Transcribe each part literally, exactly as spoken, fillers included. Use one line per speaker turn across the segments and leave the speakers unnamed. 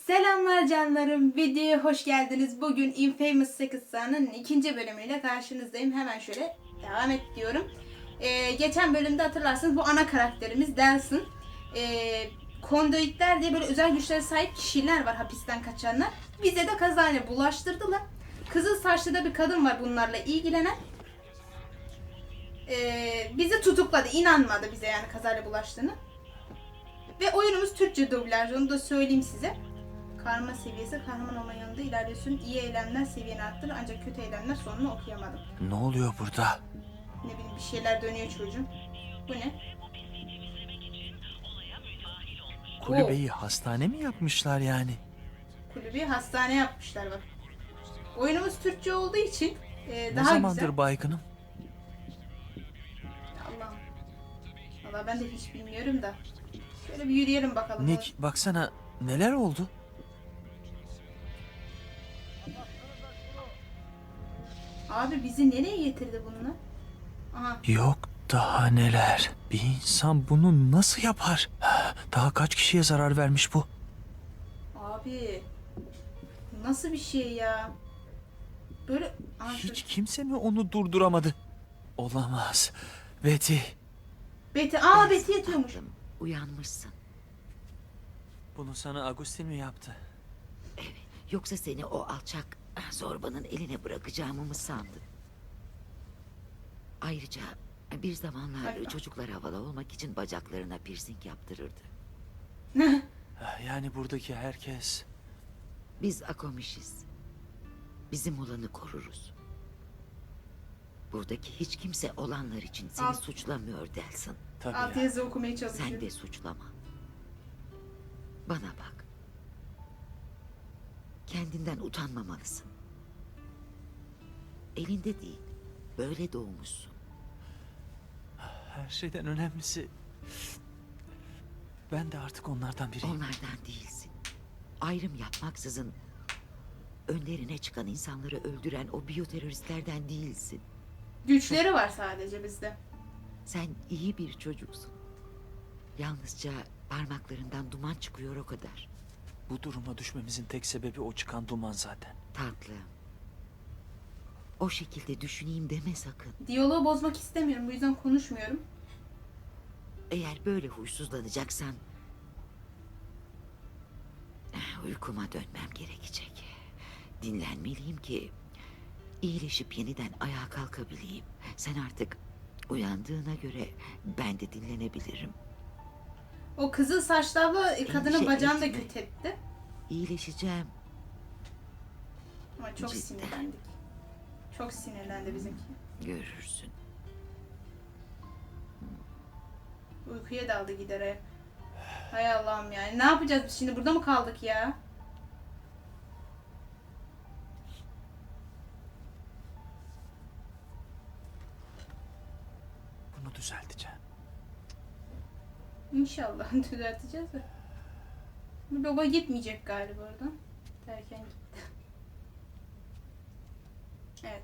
Selamlar canlarım, videoya hoş geldiniz. Bugün Infamous sekiz sahanın ikinci bölümüyle karşınızdayım. Hemen şöyle devam et diyorum. Ee, geçen bölümde hatırlarsınız bu ana karakterimiz Delsin. Ee, konduitler diye böyle özel güçlere sahip kişiler var, hapisten kaçanlar. Bize de kazayla bulaştırdılar. Kızıl saçlı da bir kadın var bunlarla ilgilenen. Ee, bizi tutukladı, inanmadı bize yani kazayla bulaştığını. Ve oyunumuz Türkçe dublaj, onu da söyleyeyim size. Karma seviyesi, kahraman olma yanında ilerliyorsun. İyi eylemler seviyeni arttırır ancak kötü eylemler sonunu okuyamadım.
Ne oluyor burada?
Ne bileyim bir şeyler dönüyor çocuğum. Bu ne?
Kulübeyi hastane mi yapmışlar yani?
Kulübü hastane yapmışlar bak. Oyunumuz Türkçe olduğu için e,
Ne
daha
zamandır
güzel.
baygınım?
Allah'ım. Valla ben de hiç bilmiyorum da. Şöyle bir yürüyelim bakalım.
Nick baksana neler oldu?
Abi bizi nereye getirdi bunlar? Aha.
Yok daha neler. Bir insan bunu nasıl yapar? Daha kaç kişiye zarar vermiş bu?
Abi. Nasıl bir şey ya? Böyle... Aha,
Hiç
dur.
kimse mi onu durduramadı? Olamaz. Betty.
Betty. Aa Betty yatıyormuş.
Tatlım, uyanmışsın.
Bunu sana Agustin mi yaptı?
Evet. Yoksa seni o alçak zorbanın eline bırakacağımı mı sandın? Ayrıca bir zamanlar
Hayır.
çocuklar havalı olmak için bacaklarına piercing yaptırırdı.
Yani buradaki herkes...
Biz Akomişiz. Bizim olanı koruruz. Buradaki hiç kimse olanlar için seni
Al.
suçlamıyor Delsin.
Tabii
Alt
ya.
yazı okumaya çalışıyor.
Sen de suçlama. Bana bak. Kendinden utanmamalısın. Elinde değil. Böyle doğmuşsun.
Her şeyden önemlisi... Ben de artık onlardan biriyim.
Onlardan değilsin. Ayrım yapmaksızın önlerine çıkan insanları öldüren o biyoteröristlerden değilsin.
Güçleri var sadece bizde.
Sen iyi bir çocuksun. Yalnızca parmaklarından duman çıkıyor o kadar.
Bu duruma düşmemizin tek sebebi o çıkan duman zaten.
Tatlım. O şekilde düşüneyim deme sakın.
Diyaloğu bozmak istemiyorum. Bu yüzden konuşmuyorum.
Eğer böyle huysuzlanacaksan... eh, uykuma dönmem gerekecek. Dinlenmeliyim ki... iyileşip yeniden ayağa kalkabileyim. Sen artık uyandığına göre ben de dinlenebilirim.
O kızıl saçlı abla e, kadının
Endişe
bacağını da
etme.
kötü etti.
İyileşeceğim.
Ama çok
Cidden.
sinirlendik. Çok sinirlendi bizimki.
Görürsün.
Uykuya daldı giderek. Hay Allah'ım yani. Ne yapacağız biz şimdi? Burada mı kaldık ya?
Bunu düzelteceğim.
İnşallah düzelteceğiz de. Bu logo gitmeyecek galiba oradan. Derken gitti. Evet.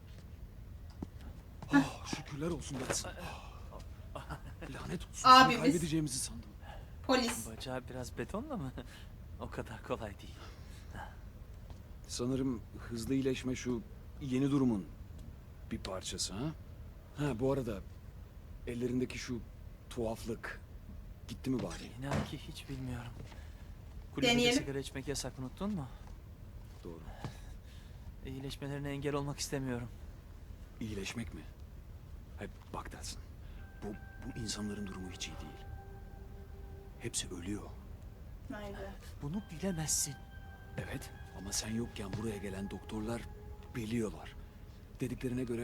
Oh, şükürler olsun Watson. Lanet olsun.
Abimiz.
Seni kaybedeceğimizi sandım.
Polis.
Bacağı biraz betonla mı? O kadar kolay değil.
Sanırım hızlı iyileşme şu yeni durumun bir parçası ha? Ha bu arada ellerindeki şu tuhaflık gitti mi bari?
İnan ki hiç bilmiyorum. Kulübede
Deneyelim.
sigara içmek yasak, unuttun mu?
Doğru.
İyileşmelerine engel olmak istemiyorum.
İyileşmek mi? Hep bak dersin. Bu, bu insanların durumu hiç iyi değil. Hepsi ölüyor.
Haydi.
Bunu bilemezsin.
Evet ama sen yokken buraya gelen doktorlar biliyorlar. Dediklerine göre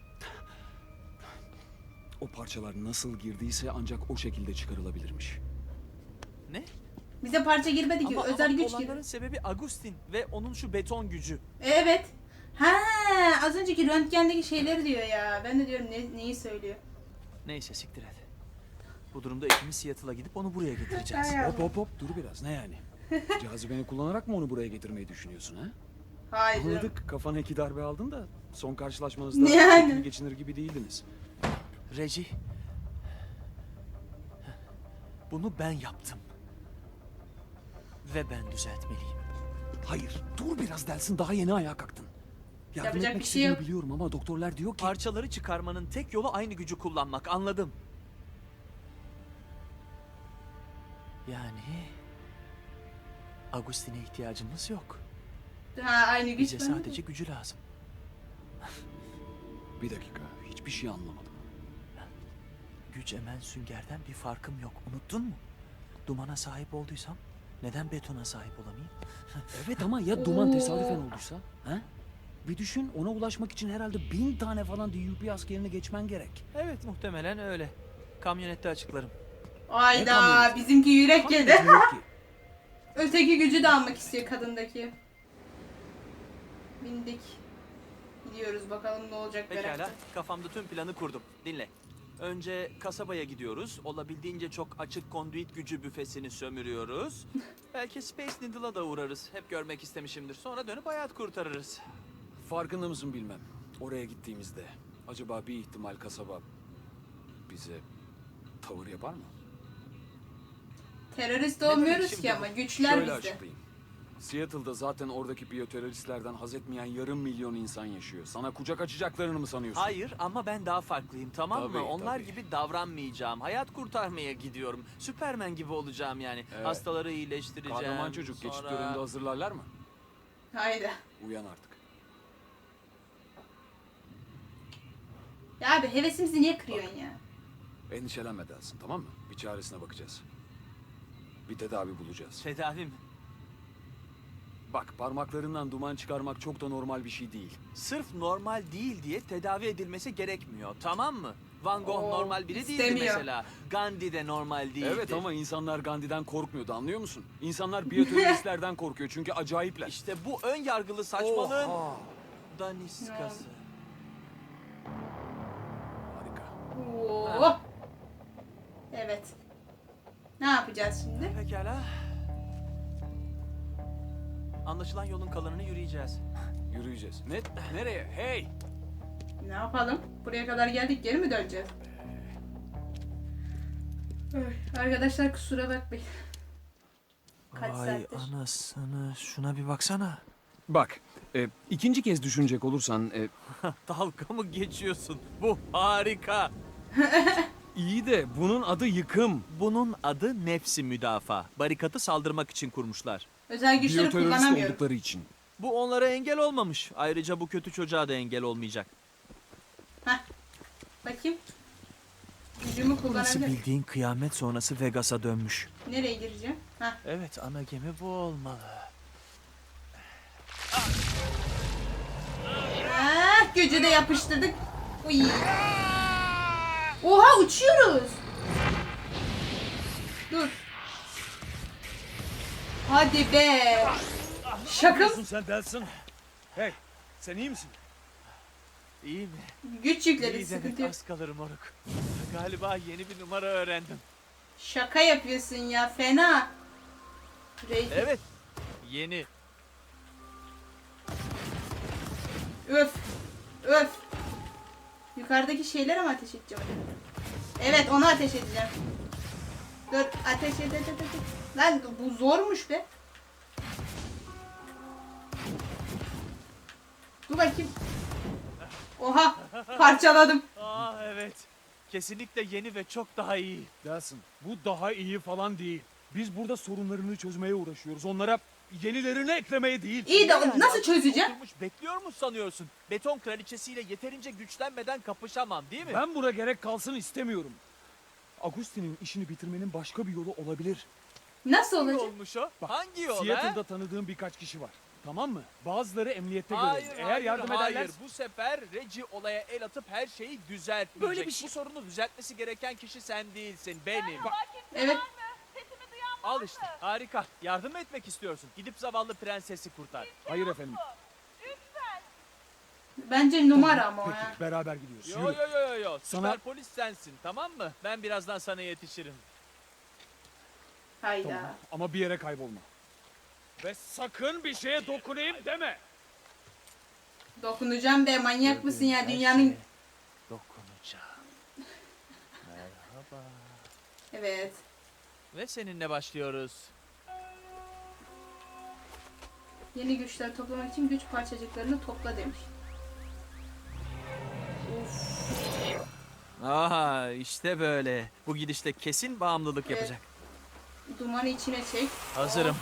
o parçalar nasıl girdiyse ancak o şekilde çıkarılabilirmiş.
Ne?
Bize parça girmedi ki.
Ama,
Özel
ama
güç
olanların
girdi.
sebebi Agustin ve onun şu beton gücü.
Evet. Ha, az önceki röntgendeki şeyleri diyor ya. Ben de diyorum ne, neyi söylüyor.
Neyse siktir et. Bu durumda ikimiz Seattle'a gidip onu buraya getireceğiz.
Hay
Hop hop hop dur biraz ne yani? Cazibeni kullanarak mı onu buraya getirmeyi düşünüyorsun ha?
Hayır. canım.
Anladık kafana iki darbe aldın da son karşılaşmanızda
Yani.
ikili geçinir gibi değildiniz.
Reggie. Bunu ben yaptım. Ve ben düzeltmeliyim.
Hayır, dur biraz Delsin, daha yeni ayağa kalktın. Yardım
Yapacak
etmek
bir şey
istediğini
yok.
biliyorum ama doktorlar diyor ki...
Parçaları çıkarmanın tek yolu aynı gücü kullanmak. Anladım. Yani... Agustin'e ihtiyacımız yok.
Ha, aynı güç
Bize
bende de.
sadece gücü lazım.
Bir dakika, hiçbir şey anlamadım.
Güç emen süngerden bir farkım yok. Unuttun mu? Dumana sahip olduysam neden betona sahip olamayayım?
Evet ama ya duman tesadüfen olduysa? Ha? Bir düşün, ona ulaşmak için herhalde bin tane falan D U P askerini geçmen gerek.
Evet, muhtemelen öyle. Kamyonette açıklarım.
Ne
Ayda
kamyoneti?
bizimki yürek
Kamyonet
yedi.
yok ki.
Öteki gücü de almak istiyor kadındaki. Bindik. Gidiyoruz bakalım ne olacak
Pekala,
merakla.
kafamda tüm planı kurdum. Dinle. Önce kasabaya gidiyoruz. Olabildiğince çok açık konduit gücü büfesini sömürüyoruz. Belki Space Needle'a da uğrarız. Hep görmek istemişimdir. Sonra dönüp hayat kurtarırız.
Farkında mısın bilmem. Oraya gittiğimizde acaba bir ihtimal kasaba bize tavır yapar mı?
Terörist
demek
olmuyoruz
şimdi
ki
bu?
ama güçler
Şöyle
bizde.
açıklayayım. Seattle'da zaten oradaki biyoteröristlerden haz etmeyen yarım milyon insan yaşıyor. Sana kucak açacaklarını mı sanıyorsun?
Hayır ama ben daha farklıyım, tamam
Tabii,
mı? Onlar
tabii.
gibi davranmayacağım. Hayat kurtarmaya gidiyorum. Süpermen gibi olacağım yani.
Evet.
Hastaları iyileştireceğim.
Kahraman çocuk geçit
Sonra-
töreninde hazırlarlar mı?
Hayda.
Uyan artık.
Ya abi hevesimizi niye kırıyorsun ya?
Endişelenme Delsin, tamam mı? Bir çaresine bakacağız. Bir tedavi bulacağız.
Tedavi mi?
Bak, parmaklarından duman çıkarmak çok da normal bir şey değil.
Sırf normal değil diye tedavi edilmesi gerekmiyor, tamam mı? Van Gogh
Oo,
normal biri değildi
istemiyor.
mesela. Gandhi de normal değildi.
Evet ama insanlar Gandhi'den korkmuyordu, anlıyor musun? İnsanlar biyoteröristlerden korkuyor çünkü acayipler.
İşte bu ön yargılı saçmalığın
Oha!
daniskası.
Harika.
Oo. Evet. Ne yapacağız şimdi?
Pekala. Anlaşılan yolun kalanını yürüyeceğiz.
Yürüyeceğiz. Ne? Nereye? Hey!
Ne yapalım? Buraya kadar geldik, geri mi döneceğiz? Ay, arkadaşlar kusura bakmayın. Kaç
Ay
saattir?
anasını, şuna bir baksana.
Bak, e, ikinci kez düşünecek olursan e,
Dalga mı geçiyorsun? Bu harika.
iyi de bunun adı yıkım.
Bunun adı nefsi müdafaa. Barikatı saldırmak için kurmuşlar.
Özel güçleri
Biyoterörist
kullanamıyorum.
oldukları için.
Bu onlara engel olmamış. Ayrıca bu kötü çocuğa da engel olmayacak.
Heh. Bakayım. Gücümü
Burası
kullanabilirim.
bildiğin kıyamet sonrası Vegas'a dönmüş.
Nereye gireceğim? Heh.
Evet, ana gemi bu olmalı.
Ah, gücü de yapıştırdık. Uy. Oha, uçuyoruz. Dur. Hadi be. Şaka mı?
sen Delsin? Hey, sen iyi misin?
İyi mi?
Güç yükledi,
İyi
sıkıntı
demek,
yok.
az kalır moruk. Galiba yeni bir numara öğrendim.
Şaka yapıyorsun ya, fena. Rey-
Evet, yeni.
Öf. Öf. Yukarıdaki şeylere mi ateş edeceğim acaba? Evet, onu ateş edeceğim. Dur, ateş et, et, et, et. Lan bu zormuş be. Dur bakayım. Oha, parçaladım.
Aa evet. Kesinlikle yeni ve çok daha iyi.
Delsin, bu daha iyi falan değil. Biz burada sorunlarını çözmeye uğraşıyoruz. Onlara yenilerini eklemeye değil.
İyi de
Yani
nasıl
adam
çözeceğim?
Oturmuş bekliyor mu sanıyorsun? Beton kraliçesiyle yeterince güçlenmeden kapışamam değil mi?
Ben buna gerek kalsın istemiyorum. Agustin'in işini bitirmenin başka bir yolu olabilir.
Nasıl
Hangi
olacak?
olmuş o?
Bak,
Hangi yol
Seattle'da
ha?
tanıdığım birkaç kişi var. Tamam mı? Bazıları emniyette
Hayır,
görevli. Eğer
hayır,
yardım
hayır.
ederler...
Bu sefer Regi olaya el atıp her şeyi düzeltmeyecek.
Böyle bir şey-
Bu sorunu düzeltmesi gereken kişi sen değilsin, benim.
Evet.
Al işte, harika. Yardım mı etmek istiyorsun? Gidip zavallı prensesi kurtar.
Hayır efendim.
Bence numara ama o
Peki,
ya.
beraber gidiyoruz.
Yo
Yürü.
yo yo yo yo.
Sana-
Süper polis sensin, tamam mı? Ben birazdan sana yetişirim.
Hayda.
Tamam. Ama bir yere kaybolma. Ve sakın bir şeye dokunayım deme.
Dokunacağım be, manyak mısın ya?
Her
Dünyanın...
şeye dokunacağım. Merhaba.
Evet.
Ve seninle başlıyoruz.
Yeni güçler toplamak için güç parçacıklarını topla demiş.
Aha işte böyle. Bu gidişte kesin bağımlılık
Evet.
yapacak.
Dumanı içine çek.
Hazırım.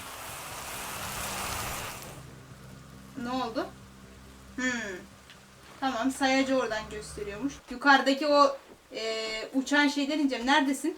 Ne oldu? Hmm. Tamam, sayacı oradan gösteriyormuş. Yukarıdaki o e, uçan şeyden ineceğim. Neredesin?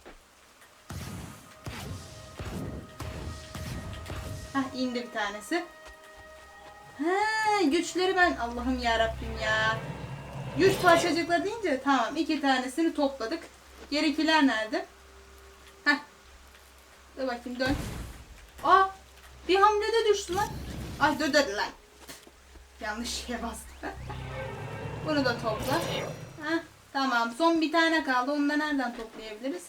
Hah, indi bir tanesi. Ha, güçleri ben Allah'ım ya Rabbim ya. Güç parçacıkları deyince tamam, iki tanesini topladık. Gerikiler nerede? Heh. Dur bakayım, dön. Aa, bir hamlede düştü lan. Ay dur dur lan. Yanlış şeye bastım. Bunu da topla. Heh, tamam, son bir tane kaldı. Onu da nereden toplayabiliriz?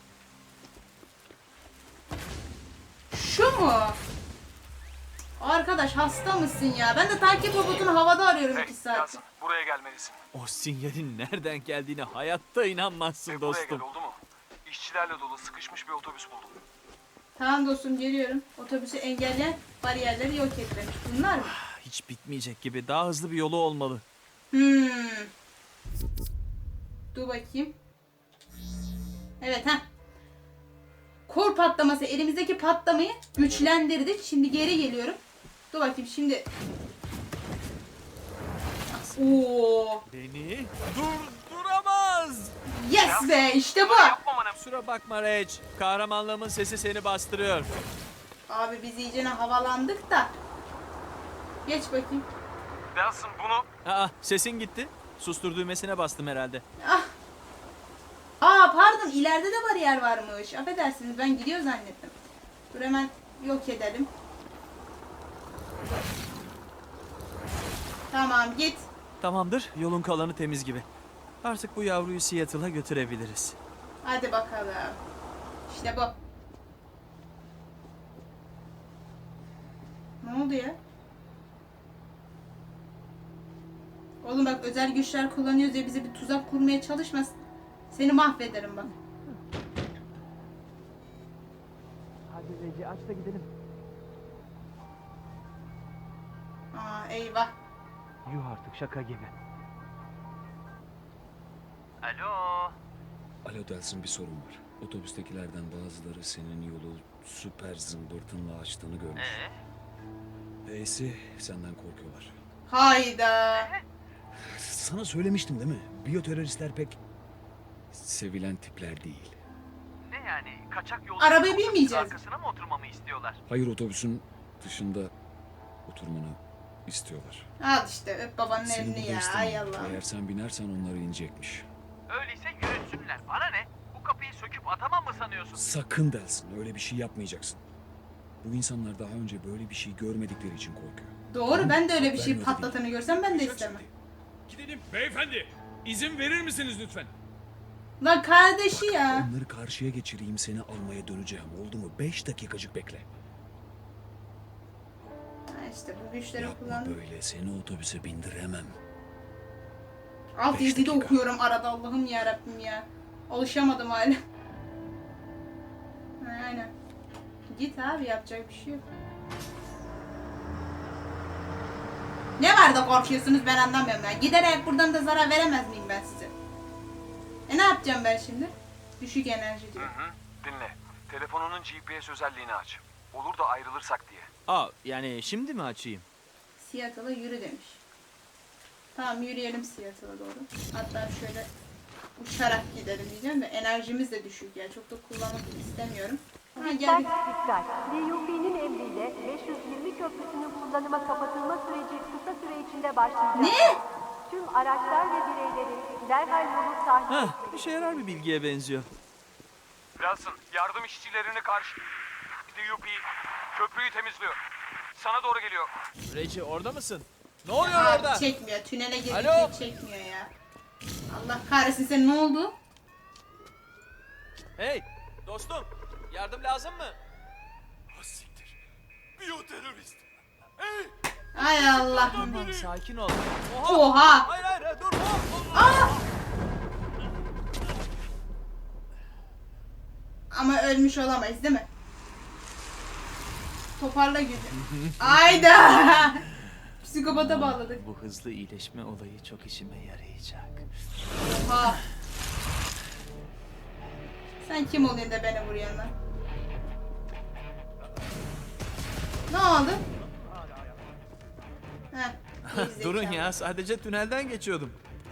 Şu mu? Arkadaş hasta mısın ya? Ben de takip robotunu havada arıyorum iki saat.
Yasin, buraya gelmelisin.
O sinyalin nereden geldiğine hayatta inanmazsın
Hey, buraya gel,
dostum.
oldu mu? İşçilerle dolu sıkışmış bir otobüs buldum.
Tamam dostum, geliyorum. Otobüsü engelleyen bariyerleri yok etmemiş. Bunlar mı?
Hiç bitmeyecek gibi. Daha hızlı bir yolu olmalı.
Hmm. Dur bakayım. Evet ha. Kor patlaması, elimizdeki patlamayı güçlendirdik. Şimdi geri geliyorum. Dur bakayım şimdi. Oo.
Beni durduramaz.
Yes be, işte bu.
Yapmamanı.
Kusura bakma Reg. Kahramanlığımın sesi seni bastırıyor.
Abi biz iyicene havalandık da. Geç bakayım.
Yasin, bunu...
Aa, sesin gitti. Sustur düğmesine bastım herhalde.
Ah. Aa pardon, ileride de bariyer varmış. Affedersiniz, ben gidiyor zannettim. Dur hemen yok edelim. Tamam, git.
Tamamdır. Yolun kalanı temiz gibi. Artık bu yavruyu Seattle'a götürebiliriz.
Hadi bakalım. İşte bu. Ne oldu ya? Oğlum bak, özel güçler kullanıyoruz diye bize bir tuzak kurmaya çalışmasın. Seni mahvederim bak.
Hadi Regi aç da gidelim.
Aa eyvah.
Yuh artık, şaka gibi.
Alo.
Alo Delsin, bir sorun var. Otobüstekilerden bazıları senin yolu süper zımbırtınla açtığını görmüş.
Ee?
E'si senden korkuyorlar.
Hayda.
Sana söylemiştim değil mi? Biyoteröristler pek sevilen tipler değil.
Ne yani? Kaçak yolcu
Arabaya
otobüsün
binmeyeceğiz.
arkasına mı oturmamı istiyorlar?
Hayır, otobüsün dışında oturmanı istiyorlar.
Al işte, öp babanın
Seni
elini
burada
ya.
istemiyor.
Ay Allah.
Eğer sen binersen onları inecekmiş.
Öyleyse yürütsünler. Bana ne? Bu kapıyı söküp atamam mı sanıyorsun?
Sakın Delsin, öyle bir şey yapmayacaksın. Bu insanlar daha önce böyle bir şey görmedikleri için korkuyor.
Doğru, ben de öyle bir şey
Vermiyor dedi.
patlatanı görsem ben de istemem.
Gidelim. Beyefendi, izin verir misiniz lütfen?
Lan kardeşi ya.
Onları karşıya geçireyim, seni almaya döneceğim. Oldu mu? Beş dakikacık bekle.
Ha işte bu güçleri
Yapma
kullandım.
böyle, seni otobüse bindiremem.
Alt
Beş
yazıyı da
dakika.
okuyorum arada, Allah'ım ya Rabbim ya. Alışamadım hala. Ha, aynen. Git abi, yapacak bir şey yok. Ne var da korkuyorsunuz, ben anlamıyorum ya. Giderek buradan da zarar veremez miyim ben size? E ne yapacağım ben şimdi? Düşük enerji diyor.
Hı, dinle. Telefonunun G P S özelliğini aç. Olur da ayrılırsak diye.
Aa, yani şimdi mi açayım?
Seattle'a yürü demiş. Tamam, yürüyelim Seattle'a doğru. Hatta şöyle uçarak gidelim diyeceğim de enerjimiz de düşük ya. Çok da kullanmak istemiyorum. Ha
Dikkat
gel.
dikkat. D U P'nin emriyle beş yüz yirmi köprüsünün kullanıma kapatılma süreci kısa süre içinde başlayacak.
Ne?
Tüm araçlar ve bireylerin derhal yolu takip
Heh,
etmeli.
işe yarar bir bilgiye benziyor.
Yasin, yardım işçilerini karşı... D U P köprüyü temizliyor. Sana doğru geliyor.
Regi orada mısın? Ne oluyor
Abi
orada?
çekmiyor. Tünele girdik
Alo?
hiç çekmiyor ya. Allah kahretsin, sen ne oldu?
Hey dostum, yardım lazım mı?
Siktir. Biyoterörist. Hey!
Ay Allah.
Tamam, sakin ol. Oha!
Oha.
Hayır hayır hayır, dur. Hop, hop.
Aa! Ama ölmüş olamayız değil mi? toparla gücü. Ayda. Psikopata bağladık.
Bu hızlı iyileşme olayı çok işime yarayacak.
Oha. Sen kim oluyorsun da beni vuruyorsun lan? Ne oldu? Heh, gerizekalı.
Durun ya, sadece tünelden geçiyordum.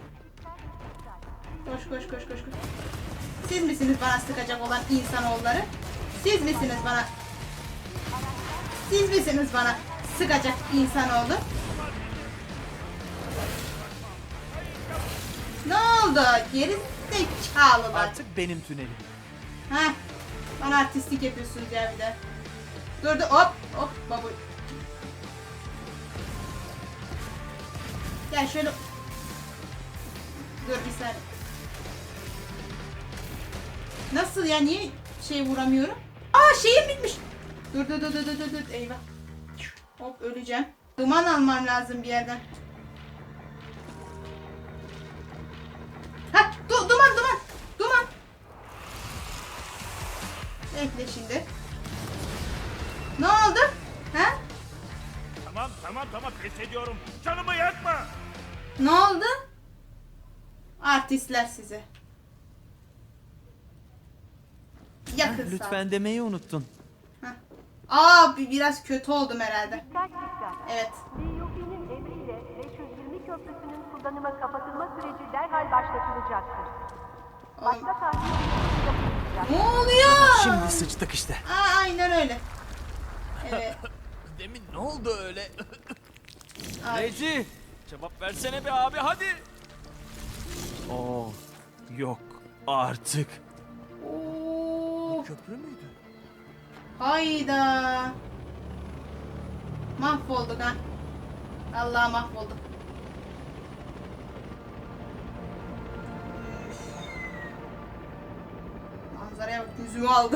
Koş koş koş koş koş. Siz misiniz bana sıkacak olan insanoğulları? Siz misiniz bana? Siz misiniz bana sıkacak insanoğlu? Ne oldu? Geri zekalılar.
Artık benim tünelim.
Heh. Bana artistlik yapıyorsunuz ya bir de. Dur dur hop hop babu. Gel şöyle. Dur bir saniye. Nasıl ya, niye şey vuramıyorum? Aa şeyim bitmiş. Dur dur dur dur dur dur eyvah. Hop öleceğim. Duman almam lazım bir yerden. Ha du duman duman. Duman. Bekle şimdi. Ne oldu? Ha?
Tamam tamam tamam pes ediyorum. Canımı yakma.
Ne oldu? Artistler size. Yakın sağ.
Lütfen demeyi unuttun.
Heh. Aa bi- biraz kötü oldum herhalde.
Dikkat dikkat.
Evet.
D U P'nin emriyle beş yüz yirmi köprüsünün kullanıma kapatılma süreci derhal başlatılacaktır.
Oğlum.
Başka tahliye işlemi yapılacak.
Ne oluyor?
Şimdi sıçtık işte.
Aa, aynen öyle. Evet.
Demin ne oldu öyle?
Ay.
Reci, cevap versene be abi hadi. Oo, yok artık.
Oo.
Köprü müydü?
Hayda. Mahvolduk ha. Allah mahvolduk. Manzaraya bak, yüzümü aldı.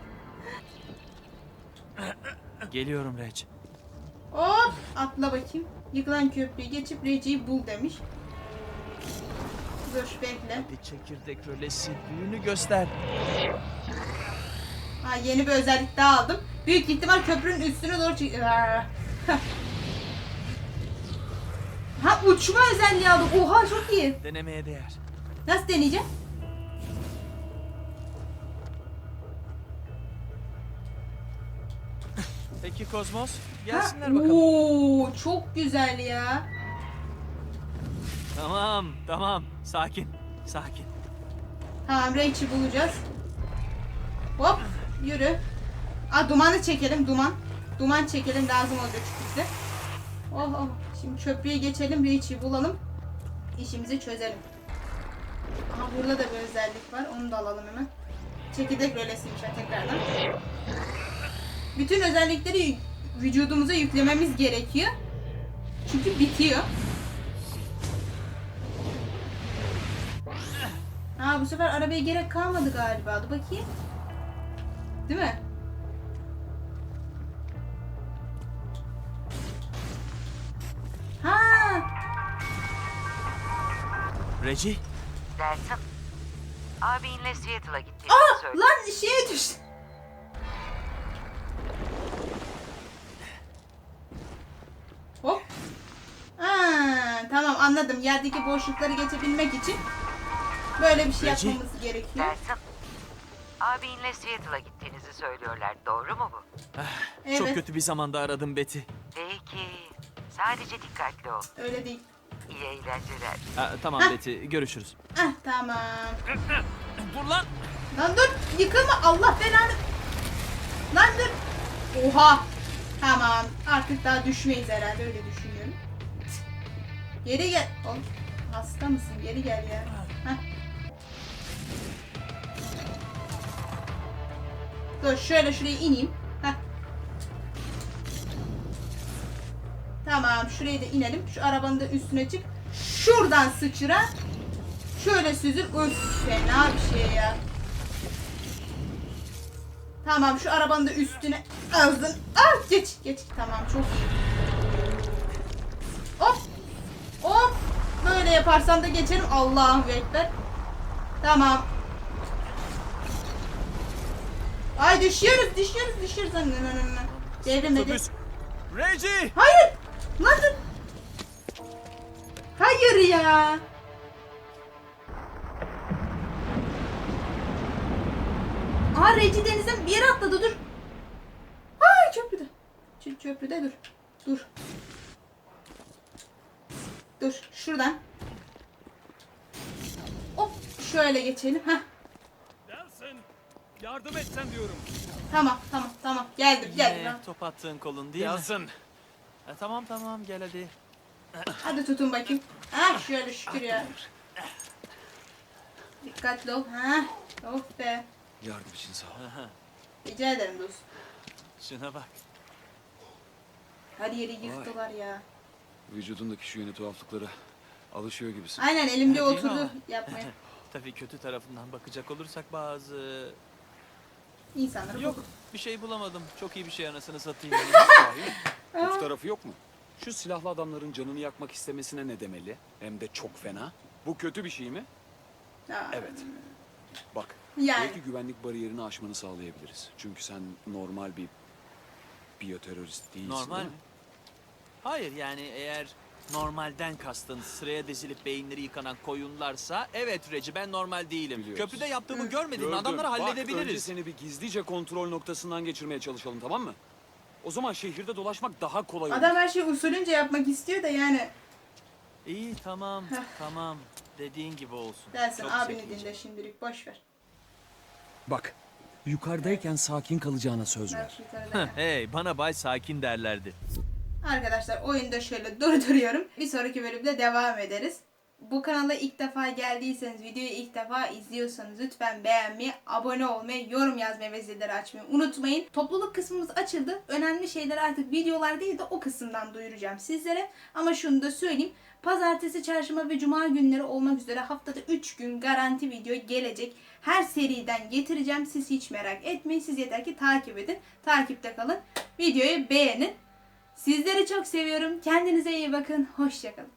Geliyorum Rec.
Hop atla bakayım. Yıkılan köprüyü geçip Reci'yi bul demiş. Dur bekle.
Bir çekirdek rölesi büyünü göster.
Ha, yeni bir özellik daha aldım. Büyük ihtimal köprünün üstüne doğru çık... Ha uçma özelliği aldım. Oha çok iyi.
Denemeye değer.
Nasıl deneyeceğim?
Peki Kozmos,
Ha,
gelsinler bakalım.
Oo, çok güzel ya.
Tamam, tamam. Sakin, sakin.
Tamam Rach'i bulacağız. Hop yürü. Aa dumanı çekelim duman. Duman çekelim lazım olacak çünkü bize. Oh oh. Şimdi köprüye geçelim, Rach'i bulalım. İşimizi çözelim. Aha burada da bir özellik var. Onu da alalım hemen. Çekirdek rölesiymiş ha tekrardan. Bütün özellikleri vücudumuza yüklememiz gerekiyor. Çünkü bitiyor. Ha bu sefer arabaya gerek kalmadı galiba. Dur bakayım. Değil mi? Ha!
Reci,
Delsin. Abinle Seattle'a gittiğini
Aa!
söyle.
Lan şeye düştü. Hop. Ha, tamam anladım. Yerdeki boşlukları geçebilmek için böyle bir şey
Reci.
yapmamız gerekiyor.
Delsin. Abinle Seattle'a gittiğinizi söylüyorlar. Doğru mu bu?
Evet.
çok kötü bir zamanda aradım Betty.
Peki. Sadece dikkatli ol.
Öyle değil.
İyi eğlenceler.
Ha, tamam
Hah.
Betty, görüşürüz.
Ah tamam.
Dur lan!
Lan dur yıkılma Allah belanı. Lan dur. Oha. Tamam artık daha düşmeyiz herhalde, öyle düşünüyorum. Geri gel. Oğlum, hasta mısın? Geri gel ya. Heh. Dur şöyle şuraya ineyim. Heh. Tamam şuraya da inelim. Şu arabanın da üstüne çık. Şuradan sıçra. Şöyle süzül. Öf fena bir şey ya. Tamam şu arabanın da üstüne azdın. Ah geç geç. Tamam çok iyi. Hop. Hop. Böyle yaparsam da geçerim. Allah'ım ekber. Tamam. Ay düşüyoruz düşüyoruz düşüyoruz. Devrilmedi.
Otobüs. Reggie!
Hayır! Nasıl? Hayır ya. Aa Reci denizden bir yere atladı dur. Ay köprüde. Ç- köprüde dur. Dur. Dur şuradan. Hop şöyle geçelim. Heh.
Delsin. Yardım etsen diyorum.
Tamam tamam tamam geldim geldim.
Yine top attığın kolun değil mi?
Delsin.
E, tamam tamam gel hadi.
Hadi tutun bakayım. Ha şöyle şükür ya. Dikkatli ol. Ha. Of be.
Yardım için sağ ol.
Rica ederim dostum.
Şuna bak.
Her yeri yıktılar ya.
Vücudundaki şu yeni tuhaflıklara alışıyor gibisin.
Aynen elimde
Değil mi
oturdu
ama?
yapmaya.
Tabii kötü tarafından bakacak olursak bazı...
İnsanları
Yok
bozuk.
bir şey bulamadım. Çok iyi bir şey anasını satayım.
Kötü tarafı yok mu? Şu silahlı adamların canını yakmak istemesine ne demeli? Hem de çok fena. Bu kötü bir şey mi?
Aa,
Evet. Bak,
Yani.
belki güvenlik bariyerini aşmanı sağlayabiliriz. Çünkü sen normal bir biyoterörist değilsin.
Normal
değil
mi?
mi?
Hayır yani eğer normalden kastın sıraya dizilip beyinleri yıkanan koyunlarsa evet Reci ben normal değilim.
Biliyoruz.
Köprüde yaptığımı görmedin mi?
Gördüm.
Adamları
Bak, önce
halledebiliriz.
seni bir gizlice kontrol noktasından geçirmeye çalışalım, tamam mı? O zaman şehirde dolaşmak daha kolay olur.
Adam her şeyi usulünce yapmak istiyor da yani.
İyi tamam tamam dediğin gibi olsun.
Dersin
Çok
abini
zekice.
dinle şimdilik boş ver.
Bak, yukarıdayken sakin kalacağına söz
Bak
ver.
şu yukarıda.
Hey bana bay sakin derlerdi.
Arkadaşlar oyunda şöyle durduruyorum. Bir sonraki bölümde devam ederiz. Bu kanala ilk defa geldiyseniz, videoyu ilk defa izliyorsanız lütfen beğenmeyi, abone olmayı, yorum yazmayı ve zilleri açmayı unutmayın. Topluluk kısmımız açıldı. Önemli şeyleri artık videolar değil de o kısımdan duyuracağım sizlere. Ama şunu da söyleyeyim. Pazartesi, çarşamba ve cuma günleri olmak üzere haftada üç gün garanti video gelecek. Her seriden getireceğim. Siz hiç merak etmeyin. Siz yeter ki takip edin. Takipte kalın. Videoyu beğenin. Sizleri çok seviyorum. Kendinize iyi bakın. Hoşça kalın.